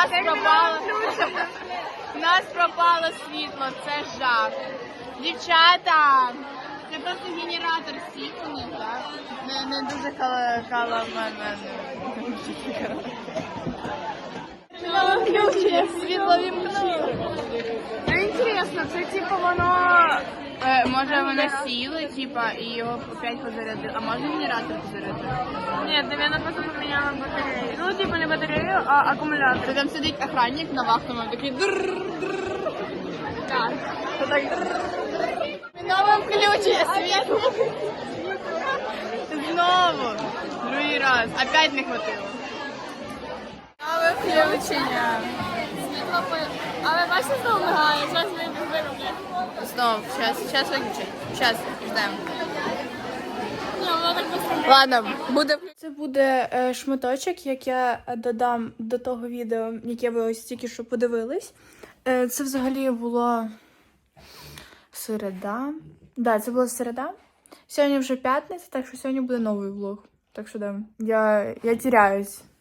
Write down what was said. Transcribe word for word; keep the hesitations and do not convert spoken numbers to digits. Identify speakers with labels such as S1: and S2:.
S1: нас пропало. У нас пропало світло, це жах. Дівчата, це просто генератор світла, так? Не, не дуже каламен. Світло вімкнули. Ну, інтересно, це типу воно... Е, може воно сіло, типа, і його опять позарядили. А може генератор позарядити?
S2: Ні, наверное, просто поміняла батарею. Ну, типу, не батарею, а акумулятор.
S1: Там сидить охранник на вахтовому, такий др-др-др.
S2: Так.
S1: Це так др-др-др. Знову включення світло. Знову. Другий раз. Опять не хватило. Нове включення.
S2: Світло по... Але бачите, знову мигає, зараз ми вироблять.
S1: Знову, зараз, зараз виключить. Зараз, ждемо.
S2: Ні, воно так быстро.
S1: Ладно, буде...
S3: Це буде е, шматочок, як я додам до того відео, яке ви ось тільки що подивились. Е, це взагалі було середа. Так, да, це була середа. Сьогодні вже п'ятниця, так що сьогодні буде новий влог. Так що да, я, я тіряюсь.